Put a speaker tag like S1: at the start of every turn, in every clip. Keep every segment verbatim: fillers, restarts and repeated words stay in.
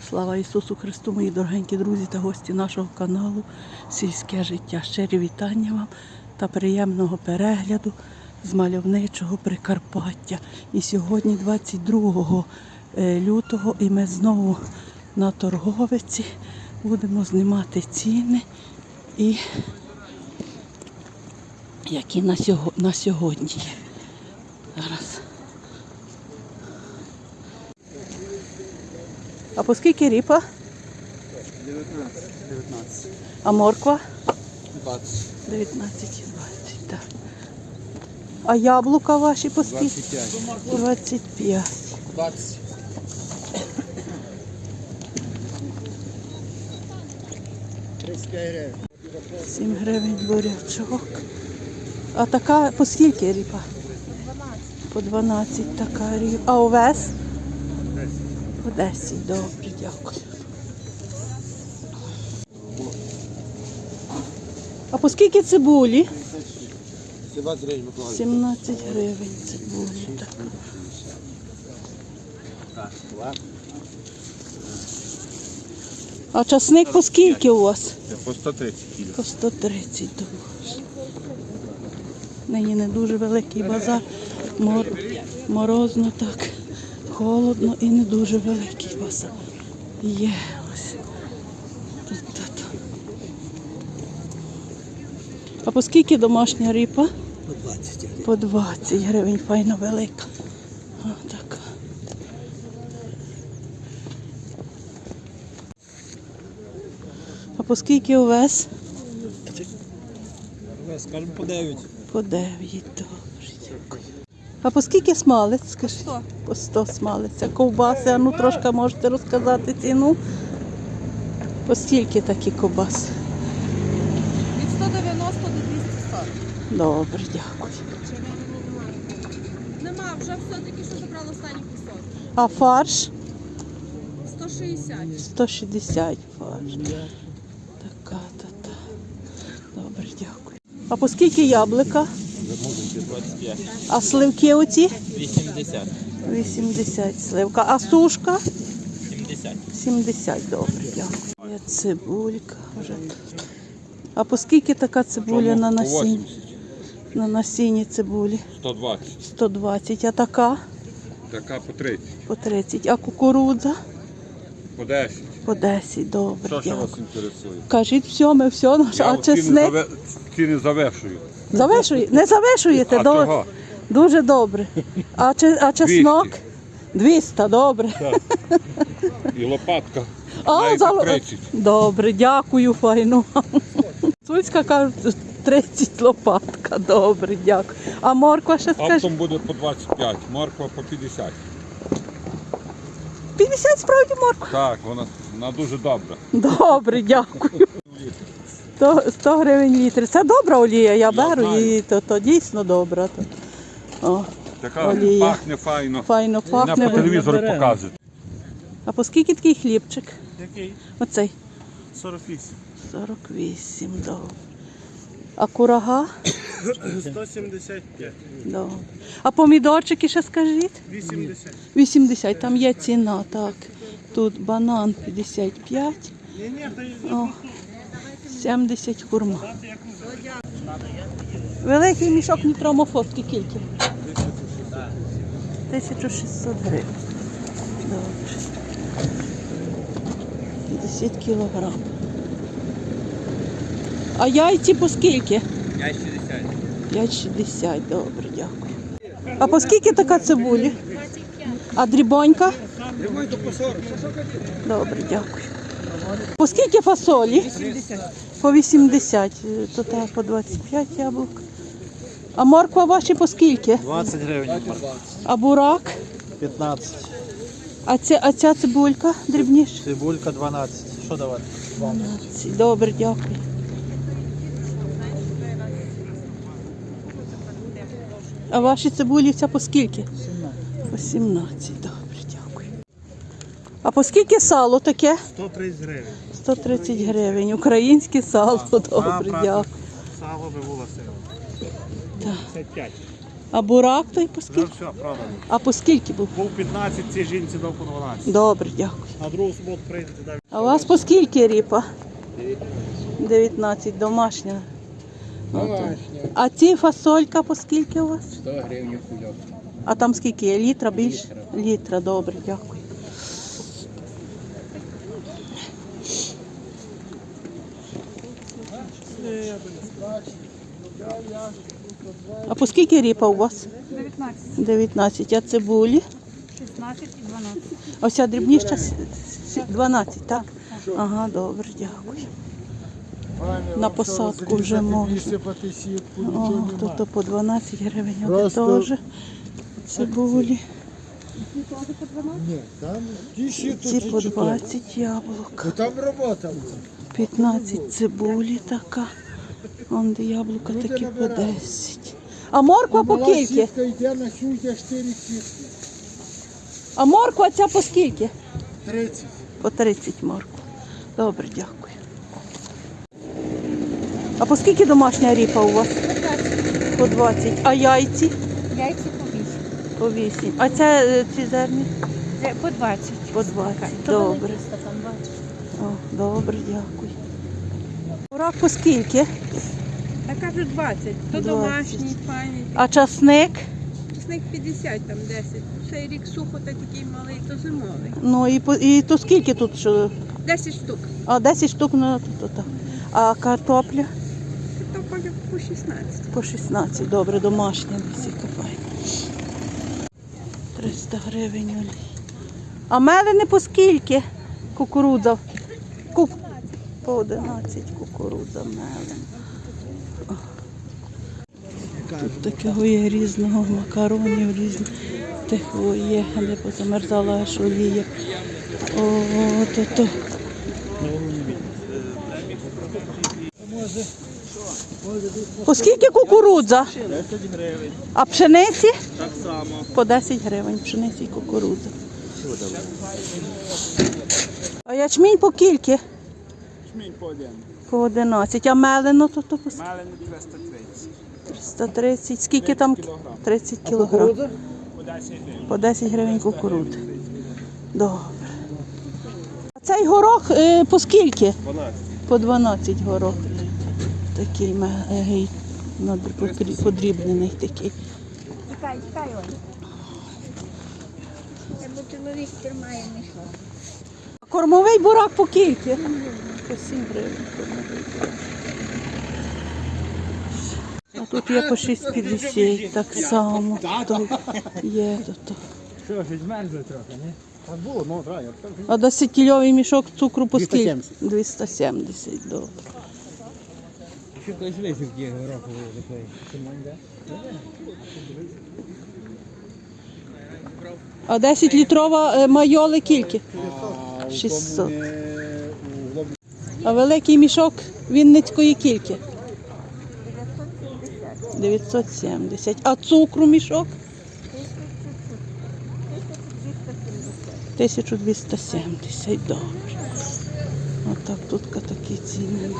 S1: Слава Ісусу Христу, мої дорогенькі друзі та гості нашого каналу «Сільське життя». Щирі вітання вам та приємного перегляду з мальовничого Прикарпаття. І сьогодні двадцять другого лютого і ми знову на торговиці будемо знімати ціни, і які на сьогодні є. Зараз. А по скільки ріпа?
S2: дев'ятнадцять.
S1: А морква?
S2: двадцять.
S1: дев'ятнадцять і двадцять, так. А яблука ваші по скільки?
S2: двадцять п'ять.
S1: двадцять п'ять.
S2: двадцять. тридцять п'ять гривень.
S1: сім гривень бурячок. А така по скільки ріпа? По дванадцять така ріпа. А овес? По десять. Добре, дякую. А по скільки цибулі?
S2: сімнадцять гривень, Миколаїв.
S1: сімнадцять гривень цибулі. Так. А часник по скільки у вас?
S2: По сто тридцять кіло.
S1: По сто тридцять доларів. Нині не дуже великий базар. Мор... Морозно так, холодно і не дуже великий базар. Є ось. Тут, тут. А по скільки домашня ріпа?
S2: По двадцять гривень.
S1: По двадцять гривень, файно велика. О, така. А по скільки овес?
S2: Скажемо по дев'ять.
S1: По дев'ять, добре, дякую. А по скільки смалець, скажіть?
S3: сто.
S1: По сто смалець. А ковбаси, а ну трошки можете розказати ціну? По скільки такі ковбаси?
S3: Від сто дев'яносто до двісті сорок.
S1: Добре, дякую.
S3: Нема, вже все тільки що забрали останній кусок.
S1: А фарш?
S3: сто шістдесят.
S1: сто шістдесят фарш. Така, та-та. Добре, дякую. А по скільки яблука?
S2: двадцять п'ять.
S1: А сливки оці?
S2: вісімдесят.
S1: вісімдесят сливка. А сушка?
S2: сімдесят.
S1: сімдесят, добре, дякую. Є цибулька вже тут. А по скільки така цибуля на насінні? На насінні цибулі?
S4: сто двадцять.
S1: сто двадцять. А така?
S4: Така по тридцять.
S1: По тридцять. А кукурудза?
S4: По десять.
S1: По десять, добре,
S4: Що ще вас
S1: дякую.
S4: інтересує?
S1: Кажіть, все, ми все.
S4: Я
S1: А
S4: от ціни,
S1: чесник?
S4: заве... ціни завершую.
S1: Завишуєте? Не завишуєте?
S4: А
S1: До-
S4: чого?
S1: Дуже добре. А, че- а чеснок? двісті, добре.
S4: І лопатка.
S1: А,
S4: навіть
S1: за...
S4: по тридцять.
S1: Добре, дякую, файно. Суцька кажуть, тридцять лопатка, добре, дякую. А морква ще скажіть?
S4: Оптом буде по двадцять п'ять, морква по п'ятдесят.
S1: п'ятдесят справді морква?
S4: Так, вона, вона дуже добра.
S1: Добре, дякую. сто, сто гривень літр. Це добра олія, я беру
S4: знаю.
S1: її, то, то дійсно добра. То. О,
S4: Така
S1: Олія.
S4: пахне файно.
S1: файно
S4: Вона
S1: пахне.
S4: по телевізору показують.
S1: А по скільки такий хлібчик?
S2: Який?
S1: Оцей.
S2: сорок вісім.
S1: сорок вісім, добре. А курага?
S2: сто сімдесят п'ять.
S1: Добре. А помідорчики ще скажіть?
S2: вісімдесят.
S1: вісімдесят, там є ціна, так. Тут банан п'ятдесят п'ять,
S2: Ні, ні, то є.
S1: о, сімдесят хурма. Великий мішок нітромофоски скільки? тисяча шістсот гривень. Добре. п'ятдесят кілограм. А яйці по скільки?
S2: п'ять шістдесят.
S1: п'ять шістдесят, добре, дякую. А по скільки така цибулі? А дрібонька?
S2: Ремонт по сорок.
S1: Добре, дякую. По скільки фасолі? По вісімдесят. То так, по двадцять п'ять яблук. А морква ваші по скільки?
S2: двадцять гривень.
S1: А бурак?
S2: п'ятнадцять.
S1: А ця, а ця цибулька дрібніша?
S2: Цибулька дванадцять. Що давати?
S1: дванадцять. Добре, дякую. А ваші цибулі ця по скільки? По сімнадцять. Добре, дякую. А по скільки сало таке?
S2: сто тридцять гривень.
S1: сто тридцять гривень. Українське сало. Добре,
S2: правда.
S1: дякую.
S2: Сало би було сила. п'ятдесят п'ять.
S1: А бурак той по
S2: Вже
S1: скільки?
S2: все, продано.
S1: А по скільки був?
S2: Був п'ятнадцять, цій жінці дав по дванадцять.
S1: Добре, дякую.
S2: А другу суботу прийдете, далі.
S1: А у вас по скільки ріпа? дев'ятнадцять, домашня.
S5: Домашня.
S1: А ці фасолька по скільки у вас?
S5: сто гривень кульок.
S1: А там скільки є? Літра більше? Літра, добре, дякую. А по скільки ріпа у вас?
S3: дев'ятнадцять,
S1: дев'ятнадцять. А цибулі?
S3: шістнадцять і дванадцять.
S1: А вся дрібніша с- с- дванадцять, так? Ага, добре, дякую. На посадку вже можна. О, тут по дванадцять гривень, а теж цибулі.
S5: Ні, там ті
S1: Ці по двадцять яблук.
S5: Там робота.
S1: п'ятнадцять цибулі така. Вон де яблука такі по десять. А морква по скільки?
S5: Сітка йде на сюди чотири сітки.
S1: А морква ця по скільки?
S5: тридцять.
S1: По тридцять морква. Добре, дякую. А по скільки домашня ріпа у вас? По двадцять. А яйці?
S3: Яйця по вісім.
S1: По вісім. А це е, ці зерні?
S3: Це по двадцять.
S1: По двадцять.
S3: То
S1: Добре.
S3: великий стакан, бачиш.
S1: О, добре, дякую. Бурак по скільки?
S6: Та кажуть двадцять, то
S1: двадцять.
S6: домашній, файний,
S1: А часник?
S6: чесник п'ятдесят, там десять. Цей рік сухо та такий малий, то зимовий.
S1: Ну і, по, і то скільки тут? Що?
S6: десять штук.
S1: А десять штук на тут. так. А картопля?
S6: То по, по шістнадцять.
S1: По шістнадцять. Добре, домашня всі копаємо. триста гривень олій. А мелини по скільки? Кукурудза. Куп. По одинадцять кукурудза мелин. Тут такого є різного макаронів, різних такого є, де позамерзала аж олія. О, то то. По скільки кукурудза?
S2: десять гривень.
S1: А пшениці?
S2: Так само.
S1: По десять гривень пшениці і кукурудза. А ячмінь по кільки?
S2: Чмінь по один.
S1: По одинадцять. А мелено то, то по скільки?
S2: Малини триста тридцять.
S1: триста тридцять. Скільки там? тридцять кілограм.
S2: По десять гривень.
S1: По десять гривень кукурудзи. Добре. А цей горох е, по скільки?
S2: дванадцять.
S1: По дванадцять горох. Такий мегий, надр- подрі- подрібнений такий.
S3: Чекай, чекай, Оль. Бо чоловік тримає мішок.
S1: А кормовий бурак по кільки? По сім гривень кормовий бурак. А тут є по шість п'ятдесят, так само. То є, то, то.
S2: Що ж, змерзли трохи, не? Так було, ну, так, я так.
S1: А десятикільовий мішок цукру по скільки?
S2: двісті сімдесят.
S1: двісті сімдесят, добре.
S2: Що колись висівки гороху такої?
S1: А десять літрова е, майоли кільки? шістсот. А великий мішок Вінницької кільки? дев'ятсот сімдесят. А цукру мішок? тисяча двісті сімдесят. Добре. Отак тут такі ціни.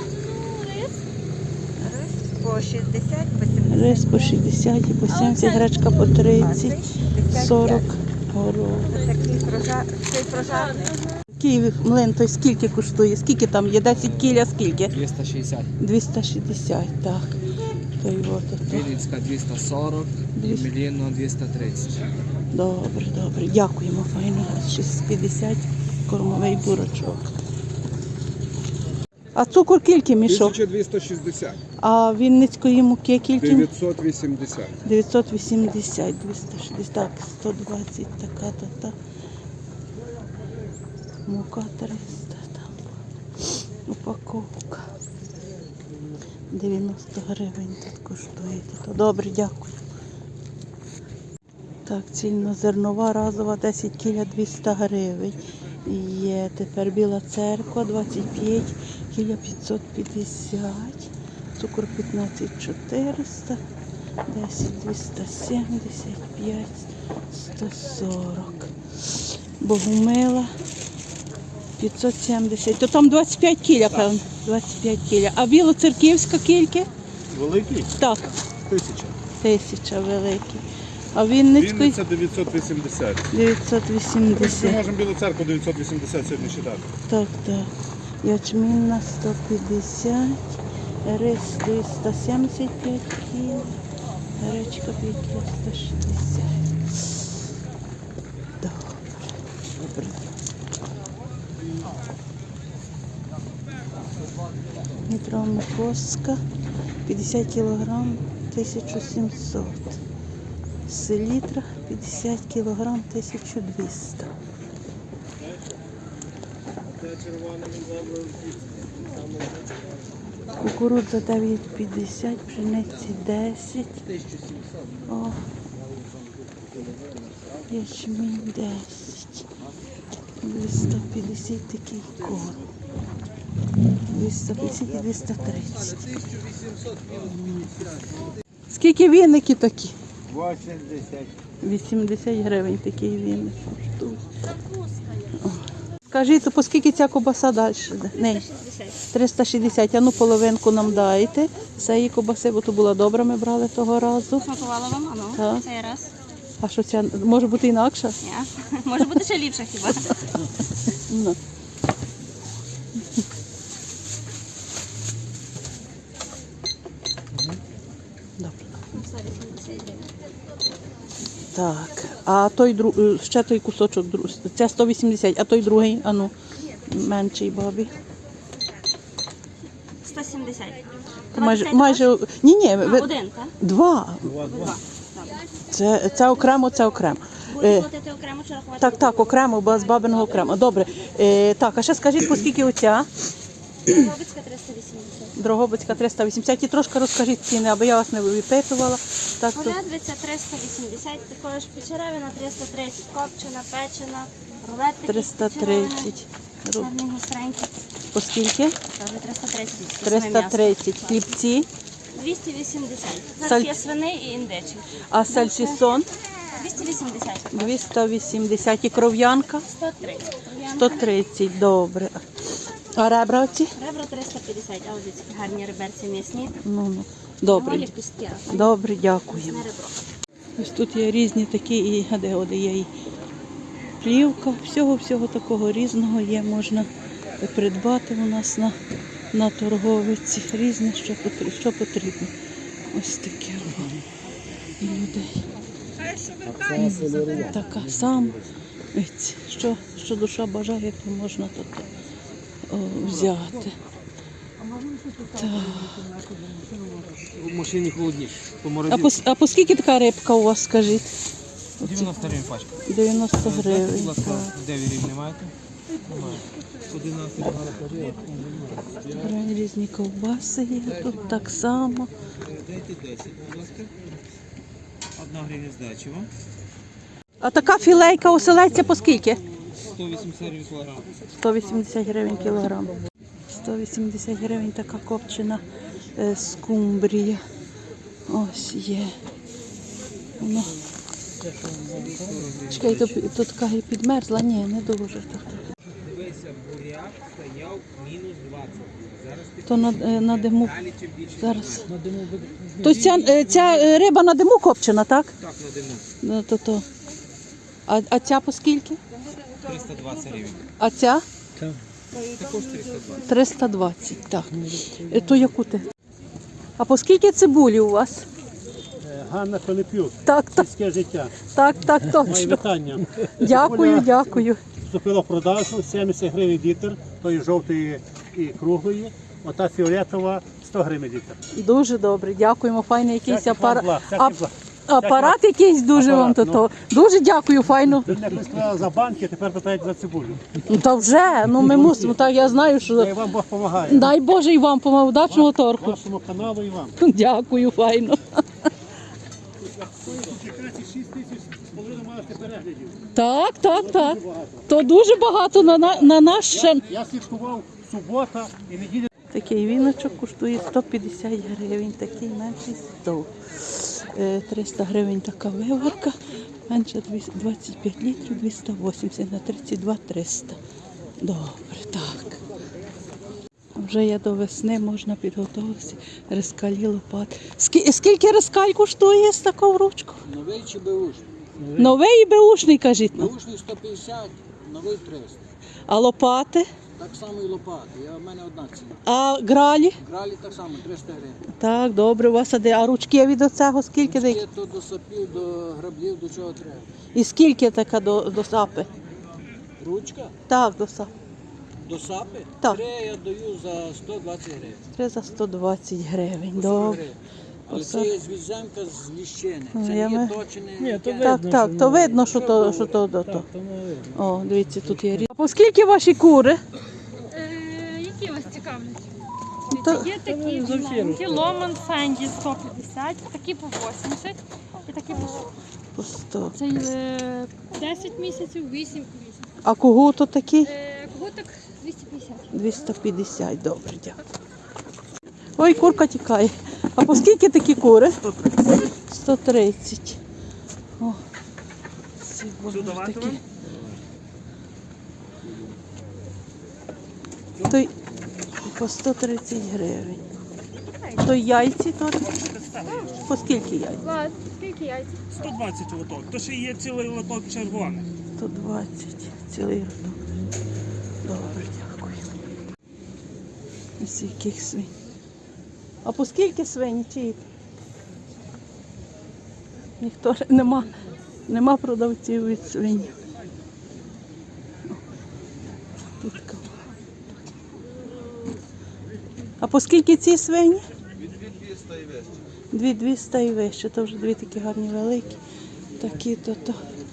S3: По шістдесят, по сімдесят.
S1: Рис по шістдесят і по сімдесят, гречка по тридцять, сорок горох.
S3: Такий прожар, цей прожарний.
S1: Київ млин той скільки коштує? Скільки там є? десять кіля скільки?
S5: двісті шістдесят.
S1: двісті шістдесят, так. Той от, от.
S5: Вінницька двісті сорок.
S1: Двісті.
S5: Міліно двісті тридцять.
S1: Добре, добре. Дякуємо, файно. шістсот п'ятдесят кормовий бурачок. А цукор кільки мішок?
S4: тисяча двісті шістдесят.
S1: А Вінницької муки кільки?
S4: дев'ятсот вісімдесят.
S1: дев'ятсот вісімдесят, двісті шістдесят, так, сто двадцять, така, та, та. Мука триста, там, упаковка. дев'яносто гривень тут коштує. То добре, дякую. Так, цільнозернова разова десять кіля двісті гривень. Є тепер Біла Церква двадцять п'ять кіля п'ятсот п'ятдесят. Цукор п'ятнадцять чотириста, десять двісті сімдесят, п'ять сто сорок. Богомила п'ятсот сімдесят. То там двадцять п'ять кіля, певно. двадцять п'ять кіля. А Білоцерківська кільки?
S2: Великий?
S1: Так,
S2: Тисяча.
S1: тисяча великий. А Вінницький
S2: Вінниця дев'ятсот вісімдесят.
S1: дев'ятсот
S2: Ми
S1: вісімдесят.
S2: можемо Білу церкву дев'ятсот вісімдесят сьогодні читати.
S1: Так, так. Ячмінна сто п'ятдесят, рис триста сімдесят п'ять кіл, гречка п'ять кіл сто шістдесят. Добре. Добре. Метрова морковська п'ятдесят кілограм тисяча сімсот. Селітра п'ятдесят кілограм тисяча двісті. Кукурудза дев'ять п'ятдесят, пшениці десять. О, ячмінь десять. двісті п'ятдесят такий корм. двісті п'ятдесят і двісті тридцять. Скільки віники такі?
S5: вісімдесят.
S1: вісімдесят гривень такий віник. О. Скажіть, то по скільки ця кобаса далі? Не. триста шістдесят. А ну половинку нам дайте. Цієї кобаси, бо то була добра, ми брали того разу.
S7: Смакувала вам, а ну,
S1: Так.
S7: цей раз.
S1: А що ця може бути інакша?
S7: Ні. Може бути ще ліпше хіба.
S1: Ну. Добре. Так, а той друг, ще той кусочок, друг- це сто вісімдесят, а той другий, а ну, менший бабі.
S7: сто сімдесят.
S1: Майже,
S7: двадцять
S1: майже, ні, ні,
S7: А,
S1: ви,
S7: один, так?
S1: два.
S7: Два. Добре.
S1: Це, це окремо, це окремо.
S7: Буде
S1: Е,
S7: платити окремо чи рахувати?
S1: так, так, окремо, бо з бабиного окремо. Добре. Е, так, а ще скажіть, по скільки оця?
S7: Дрогобицька триста вісімдесят.
S1: Дрогобицька триста вісімдесят. І трошки розкажіть ціни, аби я вас не випитувала. Так, то
S7: Полядвиця триста вісімдесят, також печеревина триста тридцять, копчена, печена, рулет такий
S1: триста
S7: з печеревини,
S1: тридцять.
S7: чорний гостренький,
S1: По скільки?
S7: теж триста тридцять. з саме
S1: триста тридцять. Хлібці.
S7: двісті вісімдесят. Зараз
S1: Саль-
S7: є свини і індичі.
S1: А сальчисон?
S7: двісті вісімдесят.
S1: двісті вісімдесят. І кров'янка?
S7: сто тридцять.
S1: сто тридцять. Добре. А ребра оці?
S7: Ребра триста п'ятдесят, а ось ці гарні реберці м'ясні.
S1: Ну, ну. Добре.
S7: Голі пустя.
S1: Добре, дякуємо.
S7: На ребро.
S1: Ось тут є різні такі, і а де де є і плівка, всього-всього такого різного є, можна придбати у нас на, на торговиці. Різне, що потрібно, що потрібно. Ось таке у людей. Така сама. Ось, Що, що душа бажає, то можна тут о, взяти. Так.
S5: В машині холодніше.
S1: А по, а по скільки така рибка у вас, скажіть?
S8: дев'яносто гривень пачка.
S1: дев'яносто
S8: Будь
S1: гривень.
S8: ласка,
S1: Так.
S8: дев'ять рівень не маєте? Немає. одинадцять.
S1: Гривень різні ковбаси є, тут так само.
S8: Дайте десять, будь ласка. Одна гривня здачі вам.
S1: А така філейка оселедця по скільки?
S8: сто вісімдесят гривень кілограм.
S1: сто вісімдесят гривень кілограм. сто вісімдесят гривень така копчена е, скумбрія. Ось є. Воно. Чекай, то, то така і підмерзла? Ні, не дуже.
S8: Дивися, буряк стояв мінус двадцять. Зараз ти
S1: То на, е, на диму.
S8: далі чим більше.
S1: Зараз. То ця, е, ця е, риба на диму копчена, так?
S8: Так, на диму.
S1: Ну, то, то. А, а ця по скільки?
S8: триста двадцять гривень.
S1: А ця?
S8: Також триста двадцять.
S1: триста двадцять, так. Е, То яку ти? А по скільки цибулі у вас?
S2: Ганна Пилипюк,
S1: Так, так,
S2: сільське життя.
S1: так, так,
S2: Мої
S1: точно.
S2: вітання.
S1: Дякую, дякую.
S2: Вступила в продажу, сімдесят гривень літр, тої жовтої і круглої. Ота фіолетова сто гривень літр.
S1: Дуже добре, дякуємо. Файний якийсь
S2: Всяких вам
S1: апарат.
S2: благ, всяких благ.
S1: Апарат якийсь дуже вам то.
S2: Апарат,
S1: то. Дуже дякую, файно.
S2: Ви мене сказали за банки, тепер питають за цибулю.
S1: Ну, та вже, ну ми мусимо, так я знаю,
S2: Та й
S1: що
S2: вам Бог допомагає.
S1: дай Боже і вам помагав, удачного торгу.
S2: Вашому каналу і вам.
S1: Дякую, файно.
S2: Якраз і шість тисяч половину маєте переглядів.
S1: Так, так, так. То дуже багато на, на, на наш ще.
S2: Я слідкував субота і неділя.
S1: Такий віночок коштує сто п'ятдесят гривень, такий менший сто. Е, триста гривень така виварка, менше двадцять п'ять літрів, двісті вісімдесят на тридцять два триста. Добре, так. Вже є до весни, можна підготуватися. Рискалі, лопати. Скі- Скільки рискаль коштує з такою ручку?
S5: Новий чи беушний?
S1: Новий і беушний, кажіть. Ну.
S5: Беушний сто п'ятдесят, новий триста.
S1: А лопати?
S5: Так само і лопати. Я, в мене одна ціна.
S1: А гралі?
S5: Гралі так само, триста гривень.
S1: Так, добре, у вас а де? А ручки від оцього скільки?
S5: Є
S1: Де?
S5: то до сапів, до граблів, до чого треба.
S1: І скільки така до, до сапи?
S5: Ручка
S1: Так, до сапи.
S5: до сапи.
S1: Так.
S5: Три я даю за сто двадцять гривень.
S1: Три за сто двадцять гривень.
S5: По сорок
S1: Добре.
S5: гривень. Але
S1: По
S5: це
S1: сорок.
S5: є звіземка з ліщини.
S1: Ну,
S5: Це
S1: я
S5: не
S1: ми-
S5: є точене.
S2: Ні, то
S5: яке.
S1: Так, так, то видно, що то, що то, до то. О, дивіться, тут є різ. А по скільки ваші кури?
S9: Е, які вас цікавлять?
S1: То-
S9: Є такі маленькі, Ломан Фенді сто п'ятдесят, такі по вісімдесят і такі по сто.
S1: По сто.
S9: Це е, десять місяців, вісім по вісім.
S1: А кого то такий?
S9: Е, Когуток двісті п'ятдесят.
S1: двісті п'ятдесят, добре, дякую. Ой, курка тікає. А по скільки такі кури? сто тридцять. О, ці вони такі. То й по сто тридцять гривень. То й яйці то по скільки яйць?
S9: Влад, скільки яйць?
S10: сто двадцять лоток. То ще є цілий лоток червоних.
S1: сто двадцять, цілий рядок. Добре, дякую. Ось яких свинь. А по скільки свині чиї? Ніхто ж- нема, нема продавців від свині. Тут кого. А по скільки ці свині? Дві двісті і вище. То вже дві такі гарні великі. Такі то то.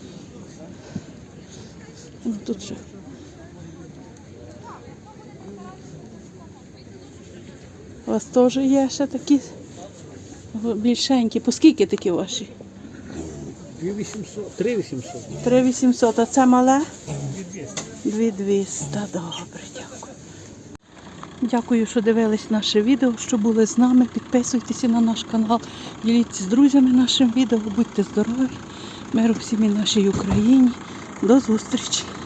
S1: Ну тут ще. У вас теж є ще такі більшенькі. По скільки такі ваші?
S2: дві вісімсот, три вісімсот.
S1: три вісімсот, а це мале? дві двісті. Добре, дякую. Дякую, що дивились наше відео, що були з нами. Підписуйтеся на наш канал, діліться з друзями нашим відео. Будьте здорові, миру всім і нашій Україні. До зустрічі!